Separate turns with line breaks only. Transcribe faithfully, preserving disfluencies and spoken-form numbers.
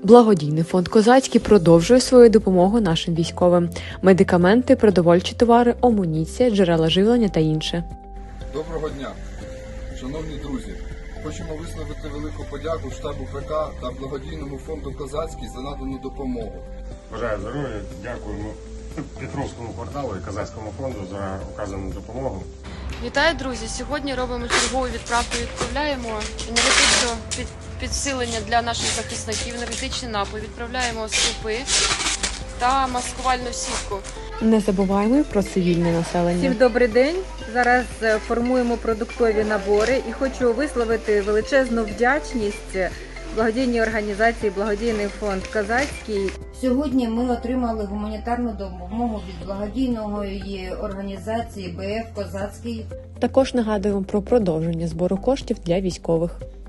Благодійний фонд «Козацький» продовжує свою допомогу нашим військовим. Медикаменти, продовольчі товари, амуніція, джерела живлення та інше.
Доброго дня, шановні друзі! Хочемо висловити велику подяку штабу ПК та благодійному фонду «Козацький» за надану допомогу.
Бажаю здоров'я, дякуємо Петровському кварталу і Козацькому фонду за оказану допомогу.
Вітаю, друзі! Сьогодні робимо чергову відправку, відправляємо енергетичне під, підсилення для наших захисників, енергетичний напій, відправляємо супи та маскувальну сітку.
Не забуваємо і про цивільне населення.
Всім добрий день! Зараз формуємо продуктові набори і хочу висловити величезну вдячність благодійній організації «Благодійний фонд Козацький».
Сьогодні ми отримали гуманітарну допомогу від благодійної організації «БФ Козацький».
Також нагадуємо про продовження збору коштів для військових.